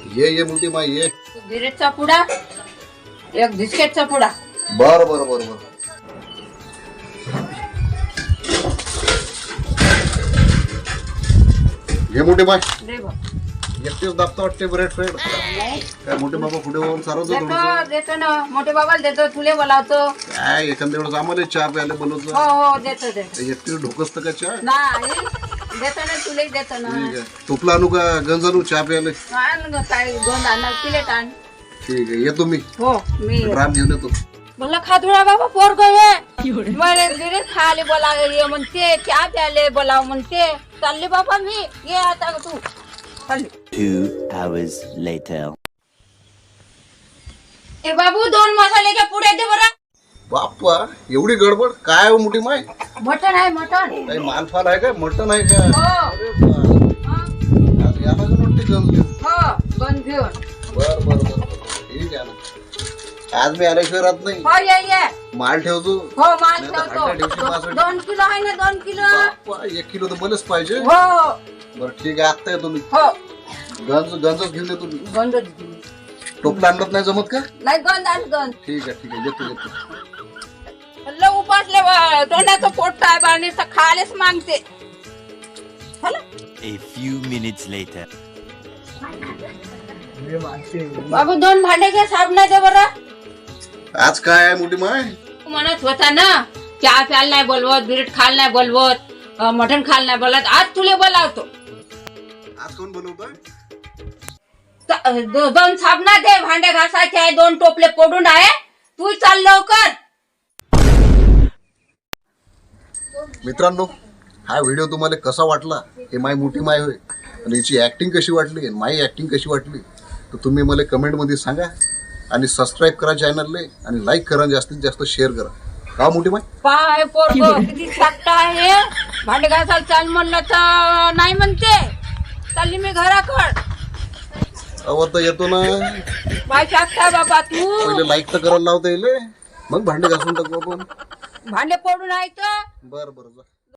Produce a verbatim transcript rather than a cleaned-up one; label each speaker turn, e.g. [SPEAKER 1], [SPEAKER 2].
[SPEAKER 1] ये ये मोठी माय ये.
[SPEAKER 2] बिरेटचा पुडा एक बिस्किटचा पुडा.
[SPEAKER 1] बर बर बर बर. घे मोठी माय.
[SPEAKER 2] दे बा.
[SPEAKER 1] एकटेच दाबता वाटते ब्रेड फ्रेड. काय मोठे बाबा पुढे होऊन सारवतो
[SPEAKER 2] देतो
[SPEAKER 1] थोडंसं.
[SPEAKER 2] देतो ना मोठे बाबाला देतो तुले बोलावतो.
[SPEAKER 1] काय एखाद्या वेळेस आम्हाला चहा प्यायला बोलवतो.
[SPEAKER 2] हो हो देतो देतो.
[SPEAKER 1] एकटी ढोकसतं का चहा.
[SPEAKER 2] नाही देतो ना तुले देतो ना.
[SPEAKER 1] ठीक आहे. टोपला आणू का गंज आणू चहा प्यायला.
[SPEAKER 2] आण ग काय गोंद आणा प्लेट आण.
[SPEAKER 1] ठीक आहे येतो मी.
[SPEAKER 2] हो मी
[SPEAKER 1] राम घेऊन येतो.
[SPEAKER 2] बोला खादुळा बाबा पोर गये मला बिरे खाले बोला ये म्हणते चहा प्याले बोलाव म्हणते. चालले बाबा मी ये आता तू चालली.
[SPEAKER 3] Two hours later.
[SPEAKER 2] ए बाबू दोन मसाल्याच्या पुढे दे बरं.
[SPEAKER 1] बाप्पा एवढी गडबड काय हो मोठी माय.
[SPEAKER 2] मटण आहे मटण.
[SPEAKER 1] काही मालफाल आहे का मटण आहे का.
[SPEAKER 2] हो
[SPEAKER 1] अरे बा.
[SPEAKER 2] हा,
[SPEAKER 1] आज याला का नोटी गंज घेऊन.
[SPEAKER 2] हो गंज घेऊन.
[SPEAKER 1] बर बर बर बर. ठीक आहे ना. आज मी आल्याशिवाय राहत नाही.
[SPEAKER 2] हो ये ये.
[SPEAKER 1] माल ठेवतो.
[SPEAKER 2] हो माल
[SPEAKER 1] नाही तर हट्टा दिवशी
[SPEAKER 2] ठेवतो.
[SPEAKER 1] मासवडी.
[SPEAKER 2] दोन किलो आहे ना दोन किलो.
[SPEAKER 1] बाप्पा एक किलो तर मलाच पाहिजे.
[SPEAKER 2] हो
[SPEAKER 1] बरं ठीक आहे आत्ता येतो मी.
[SPEAKER 2] हो
[SPEAKER 1] गंज गंजच घेऊन येतो मी.
[SPEAKER 2] गंज
[SPEAKER 1] टोपला आणत नाही जमत का.
[SPEAKER 2] नाही गंज आण गंज.
[SPEAKER 1] ठीक आहे ठीक आहे येतो येतो.
[SPEAKER 2] हल्लो उपासले वा- तोंडाचं पोट आहे बाणी तर खालेच मागते. चला
[SPEAKER 3] A few minutes later.
[SPEAKER 2] बाबू दोन भांडे घे साबणाचे बरं.
[SPEAKER 1] आज काय आहे मोठी माय.
[SPEAKER 2] तू म्हणत होता ना चहा प्यायला नाही बोलवत बिरट खायला नाही बोलवत अं, मटण खायला नाही बोलवत. आज तुले बोलावतो.
[SPEAKER 1] आज कोण बोलवतोय.
[SPEAKER 2] त- दो- दोन साबणा दे भांडे घासायचे आहे. दोन टोपले पडून आहे. तू चाल लवकर.
[SPEAKER 1] मित्रांनो हा व्हिडिओ तुम्हाला कसा वाटला हे माय मोठी माय होय आणि हिची ऍक्टिंग कशी वाटली आणि माई ऍक्टिंग कशी वाटली तर तुम्ही मला कमेंटमध्ये सांगा आणि सबस्क्राईब करा चॅनलला आणि लाईक करा जास्तीत जास्त शेअर करा. का मोठी माय.
[SPEAKER 2] पाय पोरग किती सापटा आहे. भांडे घासायला चाल म्हणलं तर नाही म्हणते. चालली मी घराकड.
[SPEAKER 1] अव तर येतो ना.
[SPEAKER 2] पाय टाकता बाबा तू.
[SPEAKER 1] पहिले लाईक तर करायला लावता येईल मग भांडे घासून टाकू आपण.
[SPEAKER 2] भांडे पडून आहे तर
[SPEAKER 1] बर बर